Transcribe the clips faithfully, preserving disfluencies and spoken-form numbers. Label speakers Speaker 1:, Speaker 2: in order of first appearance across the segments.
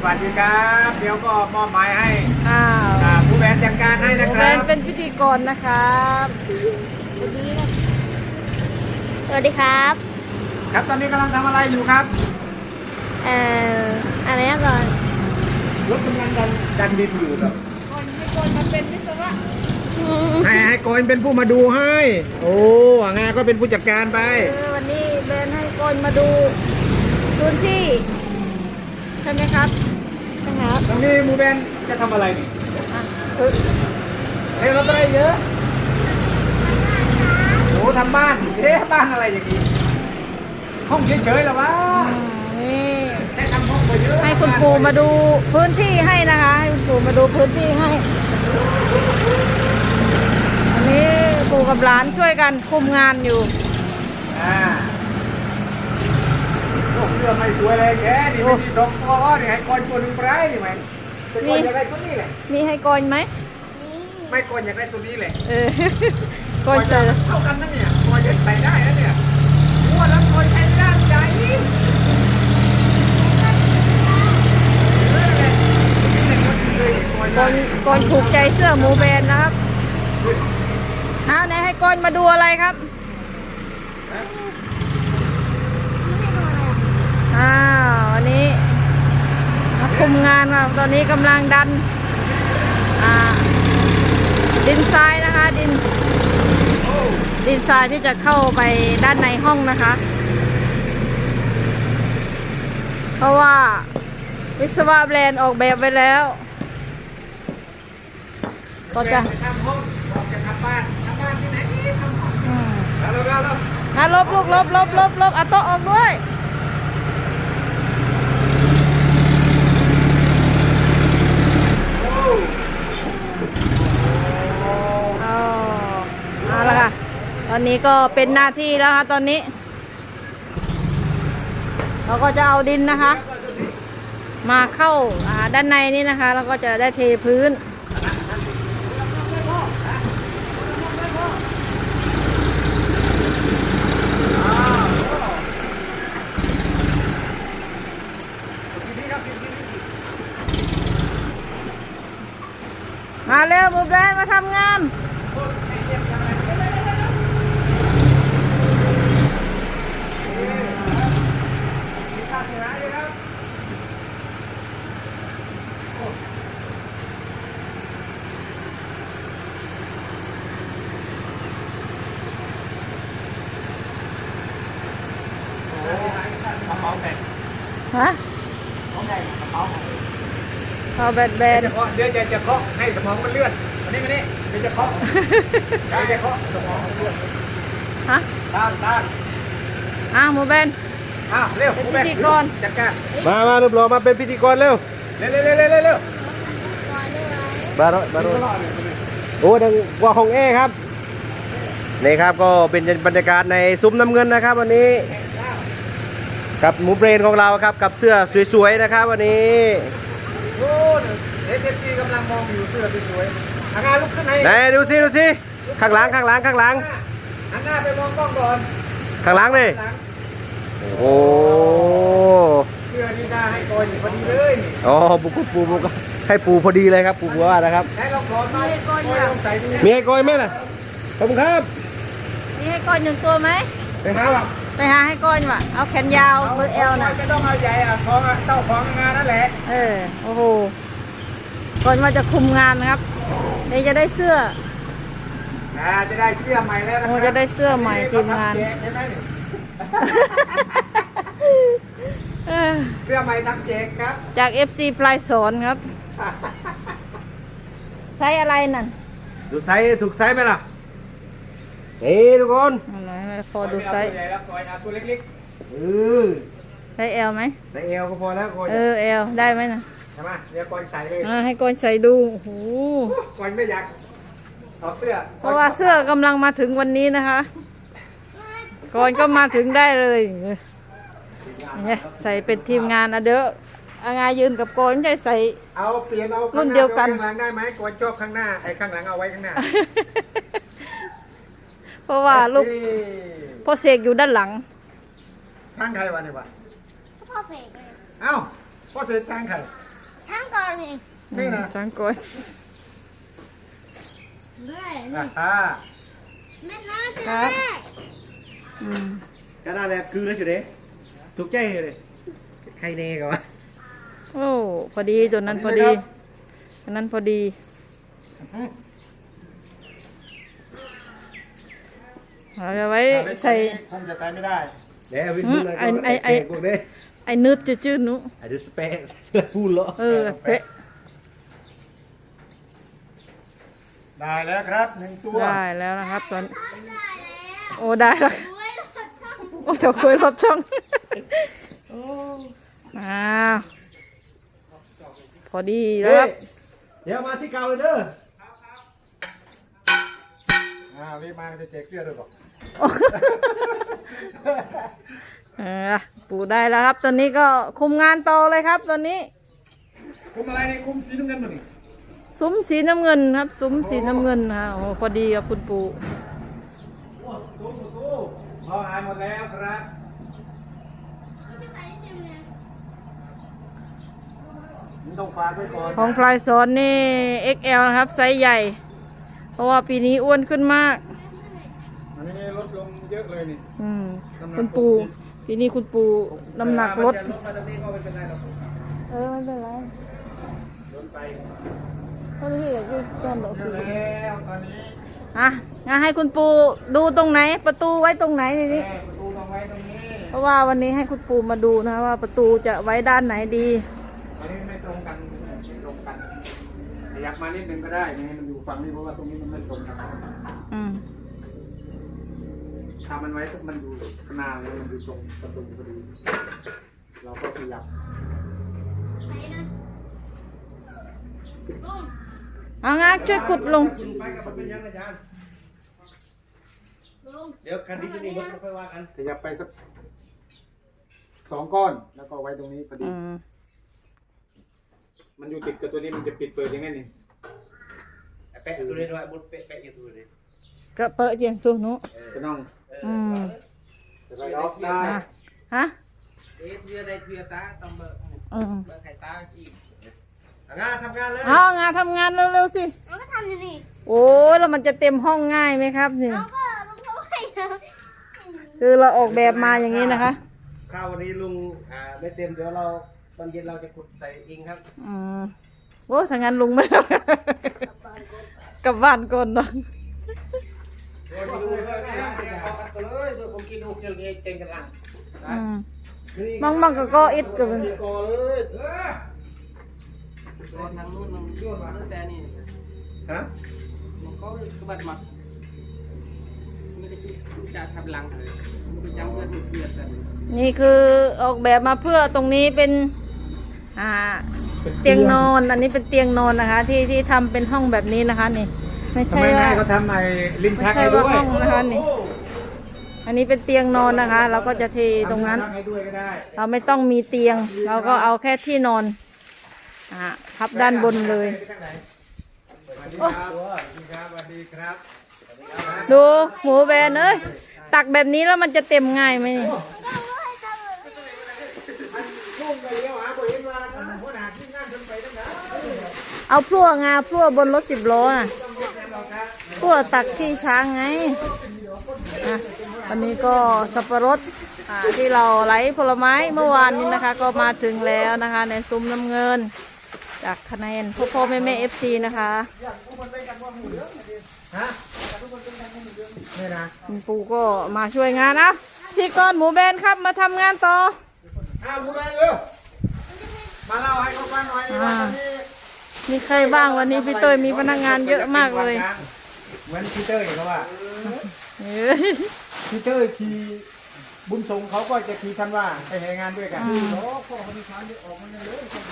Speaker 1: วัสดีครับเดี๋ยวก็มอบหมายให้
Speaker 2: อ้าว
Speaker 1: ผู้แบนจัดการให้นะค
Speaker 2: แฟ
Speaker 1: รับ
Speaker 2: นเป็นพิธีกรนะครับสวัสดีนะ
Speaker 3: สวัสดีครับ
Speaker 1: ครับตอนนี้กำลังทำอะไรอยู่ครับ
Speaker 3: เอ่ออะไรนะก่อน
Speaker 1: รถกำลังดันดันดินอยู่ครับ
Speaker 2: คนให้คนมาเป็นวิศวะ
Speaker 1: ให้ให้โกนเป็นผู้มาดูให้ โอ้งานก็เป็นผู้จัดการไป
Speaker 2: เออวันนี้แบนให้คนมาดูพื้นที่ใช่ไหมครับนะครับ
Speaker 1: ตรงนี้หมูแบนจะทำอะไรนี่
Speaker 2: อ่ะ
Speaker 1: เฮ้ยรถอะไรเยอะโอ้ทำบ้านเอ๊ะบ้านอะไรอย่างนี้ห้องเฉยๆเหรอวะ
Speaker 2: นี่
Speaker 1: แค่ทำห้องไปเยอะ
Speaker 2: ให้คุณปู่มาดูพื้นที่ให้นะคะให้คุณปู่มาดูพื้นที่ให้อันนี้ปู่กับหลานช่วยกันคุมงานอยู่
Speaker 1: อ่าโอ้เรือไม่สวยเลยแกนี่ไม่มีสองตัวนี่ให้โกนตัวหนึ่งไปนี่ไหมเป็นคนอยากได้ตัวนี้แหละ
Speaker 2: มีให้กอนไหม
Speaker 1: ไม่โกนอยากได้ตัวนี้แหละ
Speaker 2: เออ กอนเจอ
Speaker 1: เท่ากันนะเนี่ยโกนจะใส่ได้นะเนี่ยม้วนแล้วโกนใช้ไม่ได้ใจ
Speaker 2: กอนกอนถูกใจเสื้อหมูแบรนด์นะครับเอาไหนให้กอนมาดูอะไรครับอ้าววันนี้มาคุมงานครับตอนนี้กำลังดันอ่าดินทรายนะคะดินดินทรายที่จะเข้าไปด้านในห้องนะคะ เพราะว่าวิศวะแบรนด์ออกแบบไว้แล้วก็จะ
Speaker 1: ทำห้องบอกจะทำบ้านทำบ้านที่ไหนทำห้อง
Speaker 2: อืม
Speaker 1: แล้วแล้วแล้ว
Speaker 2: นะลบลูกลบลบลบลบเอาโต๊ะออกด้วยเอาเอาละค่ะตอนนี้ก็เป็นหน้าที่แล้วค่ะตอนนี้ เราก็จะเอาดินนะคะ มาเข้าอ่าด้านในนี้นะคะแล้วก็จะได้เทพื้นมาเร็วบุบแดนมาทำงานฮะเอาแบดแบน
Speaker 1: เดี๋ยวเดี๋ยวจะจะเคาะให้สมองมันเลื่อนอันนี้มานี่เดี๋ยวจะเคาะเดี๋ยวจะเคาะสมองมันเลื่อน
Speaker 2: ฮะ
Speaker 1: ต้านต้าน
Speaker 2: อ้าวหมูแบน
Speaker 1: อ้าวเร็ว
Speaker 2: เป็น
Speaker 1: ผู้แบ
Speaker 2: พิธีกร
Speaker 1: จัดการ
Speaker 4: มา มารูปหล่อมาเป็นพิธีกรเร็ว
Speaker 1: เร็วเร็วเร็วเร็วเร็วเร็ว
Speaker 4: บาร์บาร์โอ้ดังกว่าของเอครับ นี่ครับก็เป็นบรรยากาศในซุ้มน้ำเงินนะครับ วันนี้ กับหมูเบรนของเราครับ กับเสื้อสวยๆนะครับ วันนี้
Speaker 1: โอ้เอสเอฟซีกำลังมองอยู่เสื้อสวยๆอาการลุกขึ้นให้
Speaker 4: ไหนดูสิดูสิข้างหลังข้างหลังข้างหลัง
Speaker 1: หันหน้าไปมองกล้องก่อน
Speaker 4: ข้างหลังเลยโอ้
Speaker 1: เสื้อนี่น่าให้โกยพอดีเลยนี่
Speaker 4: อ๋อปูปูปูปูก็ให้ปูพอดีเลยครับปูบัวนะครับ
Speaker 1: ให้ลองถอดมาโกยลองใส่ดู
Speaker 4: มีให้โกยไหมล่ะขอบคุณครับ
Speaker 2: มีให้ก้อนหนึ่งตัวไหม
Speaker 1: ไปหาแบบ
Speaker 2: ไปหาให้ก้อนว่ะเอาแขนยาวเบอร์เอลนะ
Speaker 1: ไม่ต้องเอาใหญ่อะของอะเต้าของงานนั่นแหละ
Speaker 2: เออโอ้โหก่อนว่าจะคุมงานนะครับเดี๋ยวจะได้เสื้อ
Speaker 1: อ่าจะได้เสื้อใหม่แล้วนะค
Speaker 2: โอ้
Speaker 1: รับ
Speaker 2: จะได้เสื้อใหม่ทีมงาน
Speaker 1: เขทำแจกใช่ไหมนี่
Speaker 2: เออ
Speaker 1: เสื้อใหม่ทำแจกครับ
Speaker 2: จาก เอฟ ซี ปลายสอนครับไซส์อะไรนั่น
Speaker 4: ดูไซส์ถูกไซส์ไหมล่ะนี่ทุกคน
Speaker 2: อะไรพอดูไซส์
Speaker 1: ตัวใหญ่แล้วตัวเอาตัวเล็ก
Speaker 4: เออ
Speaker 2: ไซส์เอลไหม
Speaker 4: ใส่เอวก็พอแล้วโกย
Speaker 2: เออเอลได้ไหมนะ
Speaker 1: ๆใช่ไหมเดี๋ยวก่อนใส่เลย
Speaker 2: อ่าให้ก้อนใส่ดูโอ้โห
Speaker 1: ก่อนไม่อยากถอดเสื้อ
Speaker 2: เพราะว่าเสื้อกำลังมาถึงวันนี้นะคะก่อนก็มาถึงได้เลยเนี่ยใส่เป็นทีมงานอะเด้ออางายืนกับก่อนไม่ใช่ใส่
Speaker 1: เอาเปลี่ยนเอา
Speaker 2: รุ่นเดียวกัน
Speaker 1: ข้างหลังได้ไหมก่อนจอบข้างหน้าไอ้ข้างหลังเอาไว้ข้างหน้า
Speaker 2: เพราะว่าลูก
Speaker 1: เอ้ย
Speaker 2: พ่อเสกอยู่ด้านหลัง
Speaker 1: ทางใครวะเนี่ยวะ
Speaker 3: พ่อเสกเลย
Speaker 1: เอ้าพ่อเสกทางใคร
Speaker 3: ช่างก่อนนี่
Speaker 1: นี่นะ
Speaker 2: จังกอย
Speaker 3: เรื่อย
Speaker 1: อ่าฮ่า
Speaker 3: แม่น้าเจอ
Speaker 2: ครับ
Speaker 3: ได้
Speaker 2: อืม
Speaker 4: ก็น่าแหละคือแล้วอยู่เด้ถูกใจเลยใครเน่กันวะ
Speaker 2: โอ้พอดีตัวนั้นพอดีตัวนั้นพอดีเราจะไว้ใส่
Speaker 1: คงจะใส่ไม่ได้
Speaker 4: เดี๋ยววินพูดเลย
Speaker 2: อืมไอ้ไอ้ไอ้
Speaker 4: พวกนี้
Speaker 2: ไอ้นืดจืดๆหนุ
Speaker 4: ไอ้ดูสเปกพูดเหรอ
Speaker 2: เออเพะ
Speaker 1: ได้แล้วครับหนึ่งตัว
Speaker 2: ได้แล้วนะครับตอน
Speaker 3: ได้แล้ว
Speaker 2: โอ้ได้แล้ว
Speaker 3: ด้วยรถช่าง
Speaker 2: โอ้เจะคุยรถช่องอ้าวพอดีแล้วครับ
Speaker 4: เดี๋ยวมาที่เก่าเลยเด้อ
Speaker 1: อ่ารีบมาจะแจกเสื้อด้วยบอก
Speaker 2: เออปูได้แล้วครับ ตอนนี้ก็คุมงานต่อเลยครับ ตอนนี้
Speaker 1: คุมอะไรนี่คุมสีน้ำเงินมานี่
Speaker 2: ซุ้มสีน้ำเงินครับ ซุ้มสีน้ำเงินฮะโอ้พอดีกับคุณปู่
Speaker 1: โอ้ตู้ตู้พอหายหมดแล้วครับ
Speaker 3: จะใส่เต็มเลย
Speaker 1: มันต้องฝากไว้ก่อน
Speaker 2: ของพลายสอนนี่ เอ็กซ์ แอล นะครับไซส์ใหญ่ เพราะว่าปีนี้อ้วนขึ้นมาก
Speaker 1: อันนี้ลดลงเยอะเลยนี่
Speaker 2: อืม
Speaker 1: น้ำหนัก
Speaker 2: คุณปู่ปีนี้คุณปู่น้ำหนักลด
Speaker 1: ลดมาตรงนี้ก็ไม่เป็นไรหรอก
Speaker 2: เออไม่เป็นไร
Speaker 1: ลดไป
Speaker 2: ก็ที่อยากจะแก้มดอก
Speaker 1: เย
Speaker 2: คือ
Speaker 1: อะแล้วตอนนี้
Speaker 2: อ่ะงั้นให้คุณปู่ดูตรงไหน ประตูไว้ตรงไหนทีนี้
Speaker 1: แม่ประตูต้องไว้ตรงนี้
Speaker 2: เพราะว่าวันนี้ให้คุณปู่มาดูนะว่าประตูจะไว้ด้านไหนดี
Speaker 1: อันนี้ไม่ตรงกันไม่ตรงกันขยับมานิดนึงก็ได้นี่มันอยู่ฝั่งนี้เพราะว่าตรงนี้มันไม่ตรงกัน
Speaker 2: อืม
Speaker 1: ถ้ามันไว้ปุ๊บมันอยู่ข้างหน้าเลยมันอยู่ตรงประตูพอดีเราก็ขยับ
Speaker 3: ไหนนะลุง
Speaker 2: เอางาช่วยขุดลง
Speaker 4: คุณไปกับมันเป็นยังไงอาจารย์
Speaker 3: ลุง
Speaker 4: เดี๋ยวกันที่นี่มันค่อยว่ากัน
Speaker 1: ขยับไปสักสองก้อนแล้วก็ไว้ตรงนี้พอดี
Speaker 2: อืม
Speaker 1: มันอยู่ติดกับตัวนี้มันจะปิดเปิดยังไงนี่
Speaker 4: แปะตัวนี้ด้วยมุดแปะแปะอยู่ตัวนี้
Speaker 2: กระเปอะเจียงตัวหนุ
Speaker 1: จะต้อง
Speaker 2: อืม
Speaker 1: จะไปล็อกได้
Speaker 2: อ่ะฮะ
Speaker 5: เอ๊ะเพื่อได้เพื่อตาต้องเบิก
Speaker 2: อืม
Speaker 5: เบิกไข่ตาจีบ
Speaker 4: งานทำงานเลย
Speaker 2: เอางานทำงานเร็วๆสิ
Speaker 3: เราก็ทำอยู่นี่
Speaker 2: โอ้ยแล้วมันจะเต็มห้องง่ายไหมครับนี่
Speaker 3: เราก็ลุงเขาให้นะ
Speaker 2: คือเราออกแบบมาอย่างนี้นะคะ
Speaker 4: ข้าววันนี้ลุงอ่าไม่เต็มเดี๋ยวเราตอนเย็นเราจะขุดใส่อิงครับ
Speaker 2: อืมโอ้ถ้างั้นลุงไม่ เอากลับบ้านก่อนเนาะ
Speaker 4: โอ้ยลุงเลยเลยกันเลยตัวผมกินโอเคเลยเก่งกันลัง
Speaker 2: อืมบางบางก็ก็อิดกับมัน
Speaker 4: ก่อเลย
Speaker 1: เออ
Speaker 5: ตัวทางนู้นมันนู้นแต่นี่
Speaker 4: ฮะ
Speaker 5: มันก็กระบัดหมัดไม่ได้จะทำลังเลยมันก็ยังเพื่อนเพื่อนกัน
Speaker 2: นี่คือออกแบบมาเพื่อตรงนี้เป็นอ่าเตียงนอนอันนี้เป็นเตียงนอนนะคะ ที่ที่ทำเป็นห้องแบบนี้นะคะ นี่ ไม่
Speaker 1: ทำ
Speaker 2: ใช่
Speaker 1: ไมแม่
Speaker 2: ว่า
Speaker 1: เขาทำไอ้ลิ้น
Speaker 2: ไม่
Speaker 1: ชัก
Speaker 2: ใช่
Speaker 1: ให้ด้
Speaker 2: ว่า
Speaker 1: วย
Speaker 2: ห้องนะคะนี่ อันนี้เป็นเตียงนอนนะคะ เราก็จะเทตรงนั้น
Speaker 1: ทำลิ้ชักให้ด้วยก็ได้
Speaker 2: เราไม่ต้องมีเตียง เราก็เอาแค่ที่นอนอ่าพับด้านบนเลย
Speaker 1: สวัสดีครับสวัสดีครับสวัสดีครับ
Speaker 2: ดูหมูแบนเอ้ยตักแบบนี้แล้วมันจะเต็มง่ายไหมนี่
Speaker 1: ลุงไปเลี้ยวหาบ่เห็นว่าหัวหน้าที่งานจนไปตั้งนาน
Speaker 2: เอาพลั่วงาพลั่วบนรถสิบล้อน่ะพลั่วตักที่ช้างไงอ่ะวันนี้ก็สับปะรดอ่าที่เราไลฟ์ผลไม้เมื่อวานนี้นะคะ ก็มาถึงแล้วนะคะ ในซุ้มน้ำเงิน จากคะแนนพ่อพ่อแม่แม่เอฟซีนะคะ
Speaker 1: ฮะนี่นะ
Speaker 2: คุณปูก็มาช่วยงานนะพี่ก้อนหมูแบนครับมาทำงานต่อ
Speaker 1: อ้าวหมูแดงเร็วมาเล่าให้เขาฟังหน่อยว่าวันนี้
Speaker 2: มีใครบ้างวันนี้พี่เตยมีพนักงานเยอะมากเลย
Speaker 1: เหมือนพีเตอร์เขาว่า
Speaker 2: เอ้ย
Speaker 1: พีเตอร์ขี่บุญสงเขาก็จะขี่คันว่าไปแห่งานด้วยกันโอ้พ่อเขามีทางเดียวออกมาเลย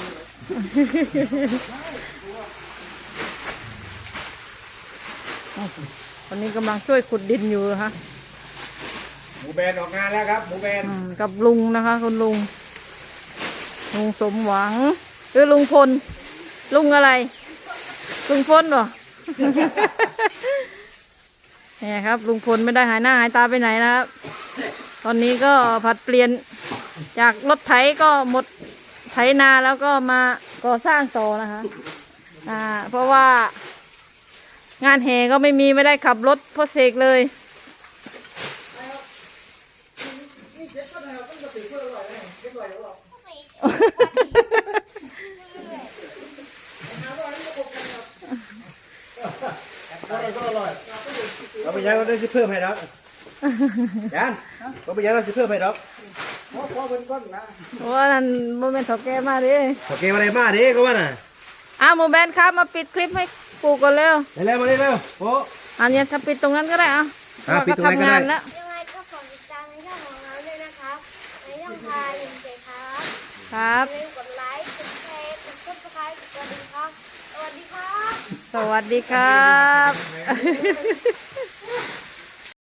Speaker 2: วันนี้กำลังช่วยขุดดินอยู่นะคะ
Speaker 1: หมูแบนออกงานแล้วครับหมูแบน
Speaker 2: อืมกับลุงนะคะคุณลุงลุงสมหวังหรือลุงพลลุงอะไร ลุงพลเหรอ เนี่ยครับ ลุงพลไม่ได้หายหน้าหายตาไปไหนนะครับ ตอนนี้ก็ผัดเปลี่ยนจากรถไถก็หมดไถนาแล้วก็มาก่อสร้างต่อนะคะอ่าเพราะว่างานแห่ก็ไม่มีไม่ได้ขับรถพ่อเสกเลย
Speaker 1: นี่เจ็บก็ได้ครับต้องกระตือเพื่ออร่อยเลยเจ็บอร่อยหรือเปล่า อร่อยก็อร่อย
Speaker 4: เราไปยังเราได้สิเพิ่มให้ดอกจานเราไปยังเราสิเพิ่มให้ดอก
Speaker 1: เพราะเพราะเป็นก้อนนะ
Speaker 2: เพราะว่านั่นโมเมนต์ถอแกมาดิ
Speaker 4: โอเคมาเลยมาดิก็ว่าน่ะ
Speaker 2: อ่ะโมเมนต์ครับมาปิดคลิปให้ปู่ก่อนเร็ว
Speaker 4: เร็วๆมาเร็วโอ้
Speaker 2: อันนี้ถ้าปิดตรงนั้นก็ได้อ่ะ
Speaker 4: อ่ะ
Speaker 2: ว่า
Speaker 4: ปิด
Speaker 2: ก็
Speaker 4: ตรงนั้นก็
Speaker 2: ทำ
Speaker 4: ได้
Speaker 2: งานแล้ว
Speaker 3: ยังไงก็ขอติดตามในช่องของเราด้วยนะครับในช่องทางลิงก์เลยครับ
Speaker 2: ครับ
Speaker 3: อย่าลืมกดไลค์กดแชร์กดซับสไครต์กดกระดิ่งครับสวัสดีครับ
Speaker 2: สวัสดีครับ